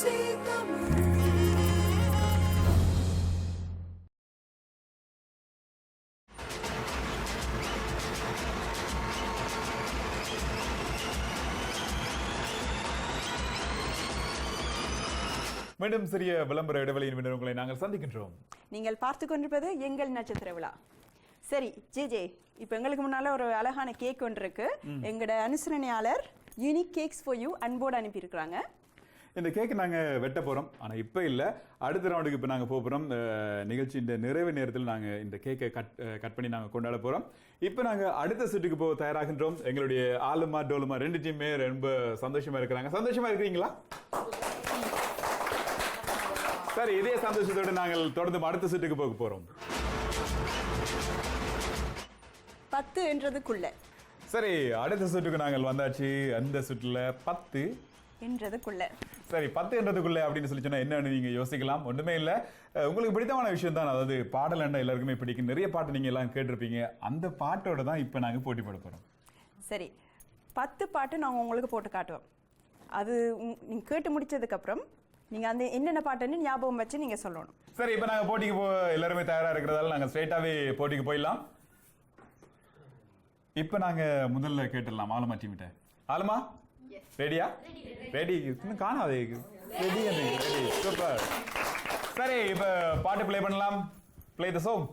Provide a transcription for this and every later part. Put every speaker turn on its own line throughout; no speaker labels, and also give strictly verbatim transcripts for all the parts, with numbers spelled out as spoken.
மீண்டும் சிறிய விளம்பர இடைவெளியின் பின்னர் உங்களை நாங்கள் சந்திக்கின்றோம்.
நீங்கள் பார்த்து கொண்டிருப்பது எங்கள் நட்சத்திர விழா. சரி ஜே ஜே, இப்போ எங்களுக்கு முன்னால ஒரு அழகான கேக் ஒன்று இருக்கு. எங்களோட அனுசரணையாளர் யூனிக் கேக்ஸ் ஃபார் யூ அன்போடு அனுப்பியிருக்கிறாங்க.
இந்த கேக் நாங்கள் வெட்ட போகிறோம், ஆனால் இப்போ இல்லை, அடுத்த ரவுண்டுக்கு இப்போ நாங்கள் போக போகிறோம். நிகழ்ச்சியின் நிறைவு நேரத்தில் நாங்கள் இந்த கேக்கை கட் கட் பண்ணி நாங்கள் கொண்டாட போகிறோம். இப்போ நாங்கள் அடுத்த சுற்றுக்கு போக தயாராகின்றோம். எங்களுடைய ஆலுமா டோலுமா ரெண்டு டீமே ரொம்ப சந்தோஷமா இருக்கிறாங்க. சந்தோஷமா இருக்கிறீங்களா? சரி, இதே சந்தோஷத்தோடு நாங்கள் தொடர்ந்து அடுத்த சுற்றுக்கு போக போகிறோம்.
பத்து என்றதுக்குள்ள.
சரி, அடுத்த சுற்றுக்கு நாங்கள் வந்தாச்சு. அந்த சுற்றுல பத்து
என்றதுக்குள்ள.
சரி, பத்து என்றதுக்குள்ள அப்படின்னு சொல்லி சொன்னா என்னன்னு நீங்க யோசிக்கலாம். ஒன்றுமே இல்லை, உங்களுக்கு பிடித்தமான விஷயம் தான். அதாவது பாடல் என்ன எல்லாருக்குமே பிடிக்கும். நிறைய பாட்டு நீங்க எல்லாம் கேட்டிருப்பீங்க. அந்த பாட்டோட தான் இப்போ நாங்கள் போட்டி போட போறோம்.
சரி, பத்து பாட்டு நாங்கள் உங்களுக்கு போட்டு காட்டுவோம். அது நீங்க கேட்டு முடிச்சதுக்கு அப்புறம் நீங்க அந்த என்னென்ன பாட்டுன்னு ஞாபகம் வச்சு நீங்க சொல்லணும்.
சரி, இப்போ நாங்கள் போட்டிக்கு போ எல்லாருமே தயாரா இருக்கிறதால நாங்கள் ஸ்ட்ரெயிட்டாவே போட்டிக்கு போயிடலாம். இப்போ நாங்க முதல்ல கேட்டுடலாம் ஆலுமா டீம்கிட்ட. ஆலுமா ரெடியா? ரெடி. இன்னும் காணாதே. Ready ready super. சரி, இப்போ பாட்டு ப்ளே பண்ணலாம். Play the song.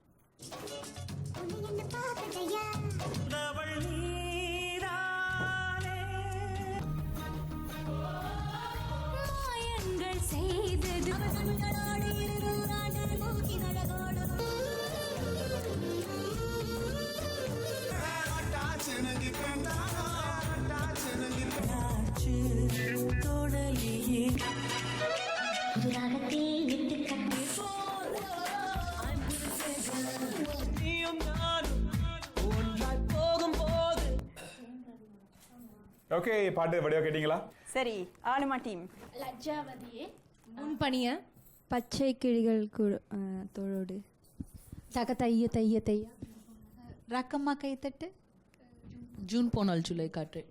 ஓகே, பாட்டு வடிவா கேட்டீங்களா?
சரி, ஆலுமா டீம்.
லஜ்ஜாவதியே முன்பணிய
பச்சை கிளிகள் தோளோடு
தக தைய தைய தைய ரக்கம்மா கைத்தட்டு ஜூன் போனால் ஜூலை காற்று.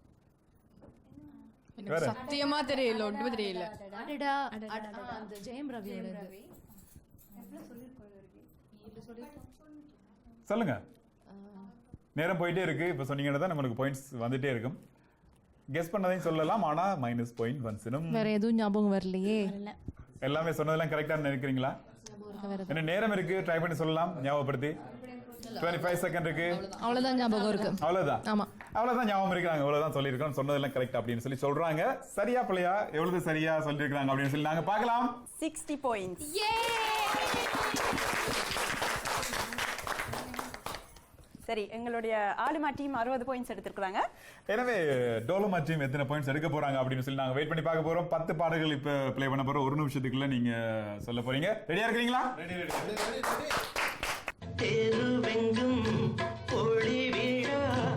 சத்தியமா தெரியல, ஒன்றுமே தெரியல.
அந்த ஜெயம் ரவியோட
சொல்லுங்க. நேரம் போயிட்டே இருக்கு. இப்போ சொன்னீங்கன்னா தான் உங்களுக்கு பாயிண்ட்ஸ் வந்துட்டே இருக்கும். கெஸ் பண்ணதையும் சொல்லலாம், ஆனா மைனஸ் பாயிண்ட் வந்துடும்.
வேற எதுவும் ஞாபகம் வரலையே.
எல்லாமே சொன்னதெல்லாம் கரெக்டா நினைக்கிறீங்களா? என்ன நேரம் இருக்கு, ட்ரை பண்ணி சொல்லலாம். ஞாபகப்படுத்தி இருபத்தி ஐந்து செகண்ட் இருக்கு.
அவ்வளவுதான் ஞாபகம் இருக்கு.
அவ்வளவுதான். ஆமா, அவ்வளவுதான் ஞாபகம் இருக்கிறாங்க. அவ்வளவுதான் சொல்லியிருக்கோம். சொன்னதெல்லாம் கரெக்ட் அப்படின்னு சொல்லி சொல்றாங்க. சரியா பிள்ளையா எவ்வளவு சரியா சொல்லியிருக்காங்க அப்படின்னு சொல்லி நாங்க பார்க்கலாம்.
Sixty points. சரி, எங்களுடைய ஆலுமா டீம் அறுபது பாயிண்ட்ஸ் எடுத்திருக்காங்க.
எனவே டோலுமா டீம் எத்தனை பாயிண்ட்ஸ் எடுக்க போறாங்க அப்படின்னு சொல்லி நாங்க வெயிட் பண்ணி பார்க்க போறோம். பத்து பாடல்கள் இப்ப ப்ளே பண்ண போறோம். ஒரு நிமிஷத்துக்குள்ள நீங்க சொல்ல போறீங்க. ரெடியா இருக்கீங்களா? Ready ready ready. தெருவெங்கும் ஒளி வீழா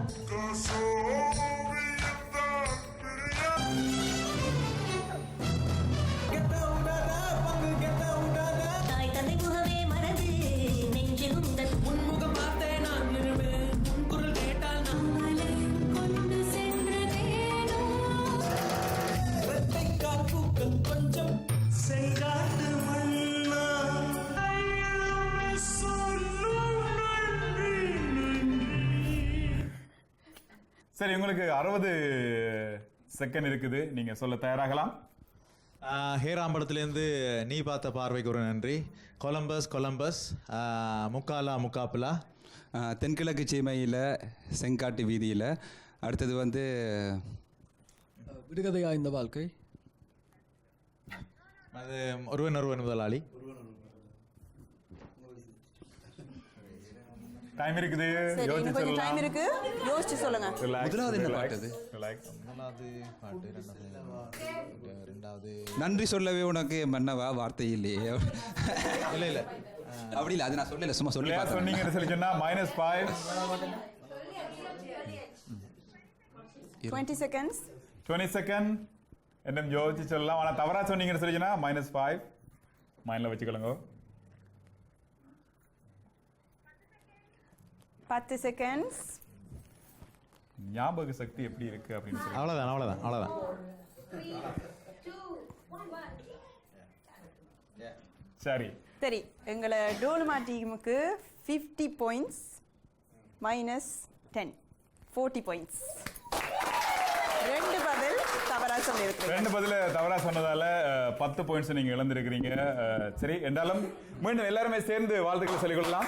சரி, உங்களுக்கு அறுபது செகண்ட் இருக்குது. நீங்க சொல்ல தயாராகலாம்.
ஹேராம்படத்திலேருந்து நீ பார்த்த பார்வைக்கு ஒரு நன்றி. கொலம்பஸ் கொலம்பஸ், முக்காலா முக்காப்புலா,
தென்கிழக்கு சீமையில் செங்காட்டு வீதியில். அடுத்தது வந்து விடுகதையா இந்த வாழ்க்கை.
அது ஒருவன் ஒருவன் முதலாளி.
டைம் இருக்குது.
கொஞ்சம் டைம் இருக்கு, யோசிச்சு சொல்லுங்க.
முதலாவது என்ன பாட்டு?
முதலாவது பாட்டு. ரெண்டாவது
நன்றி சொல்லவே உனக்கு மன்னவா வார்த்தை இல்லையே.
இல்ல இல்ல
அப்படி இல்லை, அது நான் சொல்லல, சும்மா சொல்லி
சொன்னீங்க சொல்லி சொன்னா minus five.
Twenty seconds.
Twenty second என்ன யோசிச்சு சொல்லலாம். ஆனா தவறா சொன்னீங்கன்னு சொல்லி சொன்னா மைனஸ் ஃபைவ். மைண்ட்ல வச்சுக்கொள்ளுங்க.
பத்து செகண்ட்ஸ்.
ஞாபக சக்தி எப்படி இருக்கு அப்படின்னு சொல்லி.
அவ்வளவுதான் அவ்வளவுதான் அவ்வளவுதான்.
சரி
சரி எங்களை டோலுமா டீமுக்கு fifty points minus ten forty points. ரெண்டு பதில் தவறா சொல்லியிருக்கீங்க.
ரெண்டு பதில தவறா சொன்னதால அஹ், பத்து பாயிண்ட்ஸ் நீங்க இழந்திருக்கிறீங்க. அஹ், சரி என்றாலும் மீண்டும் எல்லாருமே சேர்ந்து வாழ்த்துக்களை சொல்லிக் கொள்ளலாம்.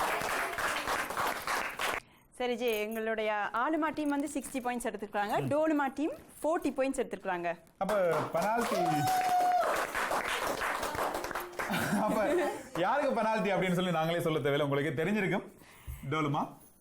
சரி ஜி, எங்களுடைய ஆலுமா டீம் வந்து சிக்ஸ்டி பாயிண்ட்ஸ் எடுத்துருக்காங்க, டோலுமா டீம் ஃபோர்ட்டி பாயிண்ட்ஸ் எடுத்துருக்காங்க.
அப்ப பெனால்டி அப்ப யாருக்கு பெனால்டி அப்படின்னு சொல்லி நாங்களே சொல்ல தேவையில்லை, உங்களுக்கு தெரிஞ்சிருக்கும். டோலுமா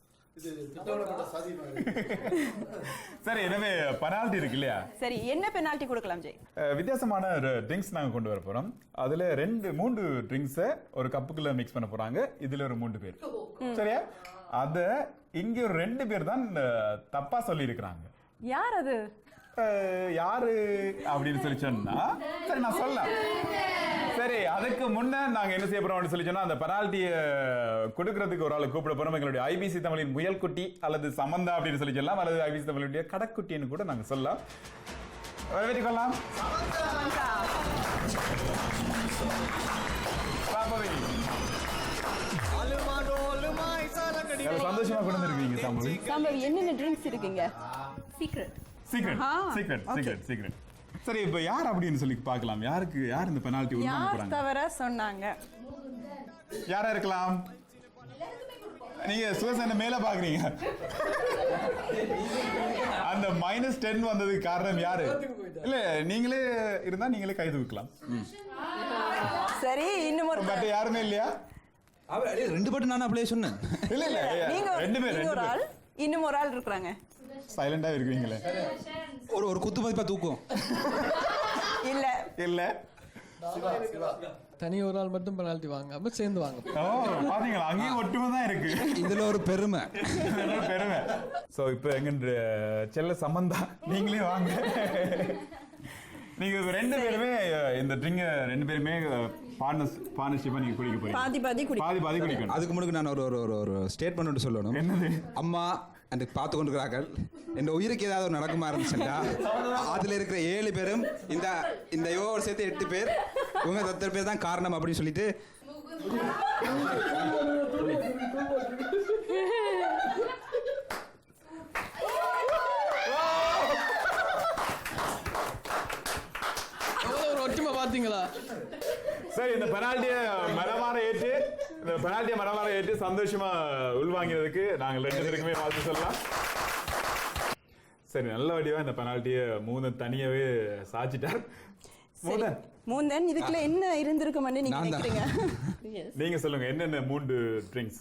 சரி, எனவே பெனால்டி இருக்கு இல்லையா?
சரி, என்ன பெனால்டி கொடுக்கலாம் ஜெய்?
அஹ், வித்தியாசமான ஒரு ட்ரிங்க்ஸ் நாங்க கொண்டு வர போறோம். அதுல ரெண்டு மூன்று ட்ரிங்க்ஸை ஒரு கப்புக்குள்ள மிக்ஸ் பண்ண போறாங்க. இதுல ஒரு மூன்று பேர், சரியா? அத இங்க ஒரு ரெண்டு பேர் தான் அஹ், தப்பா சொல்லி இருக்கிறாங்க.
யார் அது?
அஹ், யாரு அப்படின்னு சொல்லி சொன்னா சரி நான் சொல்லலாம். சரி, அதுக்கு முன்ன நாங்க என்ன செய்ய போறோம் அப்படின்னு சொல்லி சொன்னா, அந்த பெனால்ட்டியை கொடுக்கறதுக்கு ஒரு ஆளை கூப்பிட போறோம். எங்களுடைய ஐபிசி தமிழின் முயல்குட்டி அல்லது சமந்தா அப்படின்னு சொல்லி சொல்லலாம், அல்லது ஐபிசி தமிழுடைய கடக்குட்டின்னு கூட நாங்க சொல்லலாம். வரவேற்றுக் கொள்ளலாம். பாப்பவி. எவ்வளவு சந்தோஷமா கொண்டு வந்திருக்கீங்க சாம்பவி.
சாம்பவி, என்னென்ன ட்ரிங்க்ஸ் இருக்குங்க?
Secret.
Secret secret secret secret. சரி, இப்ப யார் அப்படின்னு சொல்லி பார்க்கலாம். யாருக்கு யார் இந்த பெனால்ட்டி உருவாக்க
யார்
போறாங்க?
தவறா சொன்னாங்க?
யாரா இருக்கலாம்? நீங்க சுகசேன மேல பாக்குறீங்க. அந்த மைனஸ் டென் வந்ததுக்கு காரணம் யாரு? இல்ல, நீங்களே இருந்தா நீங்களே கை தூக்கலாம்.
சரி, இன்னும் ஒரு
பட் யாருமே இல்லையா?
அவர் அடே, ரெண்டு பாட்டு நான் அப்படியே சொன்னேன்.
இல்ல இல்ல,
நீங்க
ரெண்டு பேர்
நீங்க
ரெண்டு
ஒரு ஆள்,
பேர்
இன்னும் ஒரு ஆள் இருக்கிறாங்க.
சைலண்டா இருக்கீங்களே.
ஒரு ஒரு குத்து மதிப்பா தூக்கும்.
இல்ல
இல்ல,
தனி ஒரு ஆள் மட்டும் பெனால்ட்டி வாங்காம சேர்ந்து வாங்க.
ஓ பாத்தீங்களா, அங்கேயும் ஒற்றுமை தான் இருக்கு.
இதுல ஒரு பெருமை.
இதெல்லாம் பெருமை. சோ இப்போ எங்க செல்ல சம்பந்தா, நீங்களே வாங்க. நீங்க ரெண்டு பேருமே இந்த ட்ரிங்க ரெண்டு பேருமே பார்ட்னர்ஸ் பார்ட்னர்ஷிப்பா நீங்க குடிக்க போறீங்க.
பாதி பாதி குடி.
பாதி பாதி குடிக்கணும்.
அதுக்கு முன்னாடி நான் ஒரு ஒரு ஒரு ஒரு ஸ்டேட்மெண்ட் சொல்லணும்.
என்னது?
அம்மா அந்த பார்த்து கொண்டிருக்கிறார்கள். இந்த உயிருக்கு ஏதாவது ஒரு நடக்குமா இருந்துச்சுன்னா அதுல இருக்கிற ஏழு பேரும் இந்த இந்த யோவோட சேர்த்து எட்டு பேர், இவங்க எத்தனை பேர் தான் காரணம் அப்படின்னு சொல்லிட்டு
எவ்வளவு ஒரு ஒற்றுமை பாத்தீங்களா?
சரி, இந்த பெனால்ட்டியை மரமாற ஏற்று இந்த பெனால்ட்டியை மரமாற ஏற்று சந்தோஷமா உள்வாங்கிறதுக்கு நாங்கள் ரெண்டு பேருக்குமே வாழ்த்து சொல்லலாம். சரி, நல்ல வடிவா இந்த பெனால்ட்டியை மூணு தனியாவே சாச்சிட்டார். மூணன்,
மூந்தன் இதுக்குள்ள என்ன இருந்திருக்கும்னு நீங்க
நான் தான்.
நினைக்கிறீங்க?
நீங்க சொல்லுங்க, என்னென்ன மூன்று ட்ரிங்க்ஸ்?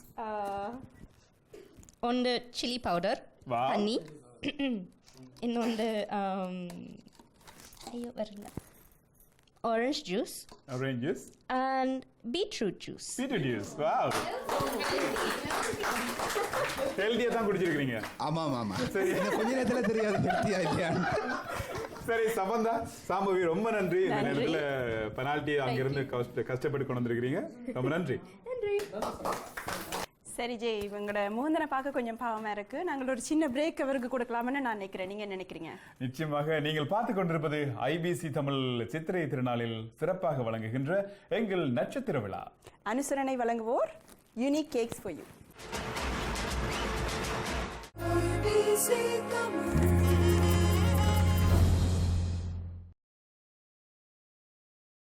ಒಂದು ಚಿಲ್ಲಿ ಪೌಡರ್,
Wow.
ಹನಿ, ಇನ್ನೊಂದು ಆಮ್, ಅಯ್ಯೋ ಬರಲ್ಲ, orange juice
orange juice,
and beetroot juice.
Beetroot juice. Wow, ஹெல்தியா தான் குடிச்சிருக்கீங்க.
ஆமா ஆமா ஆமா.
சரி.
இந்த கொஞ்ச நேரத்துல தெரியாது ஹெல்த்தியா இல்லையா.
சரி சம்பந்தா, சாம்பவி, ரொம்ப நன்றி. இந்த
நன்றி.
நேரத்துல பெனால்ட்டி அங்கிருந்து கஷ்ட- கஷ்டப்பட்டு கொண்டு வந்திருக்கிறீங்க. ரொம்ப நன்றி.
சரி ஜெய், இவங்களோட மூந்தனை பார்க்க கொஞ்சம் பாவமா இருக்கு. நாங்கள் ஒரு சின்ன பிரேக் அவருக்கு கொடுக்கலாம்னு நான் நினைக்கிறேன். நீங்க என்ன நினைக்கிறீங்க?
நிச்சயமாக. நீங்கள் பார்த்துக் கொண்டிருப்பது ஐபிசி தமிழ் சித்திரை திருநாளில் சிறப்பாக வழங்குகின்ற எங்கள் நட்சத்திர விழா.
அனுசரணை வழங்குவோர் யூனிக் கேக்ஸ் ஃபார் யூ.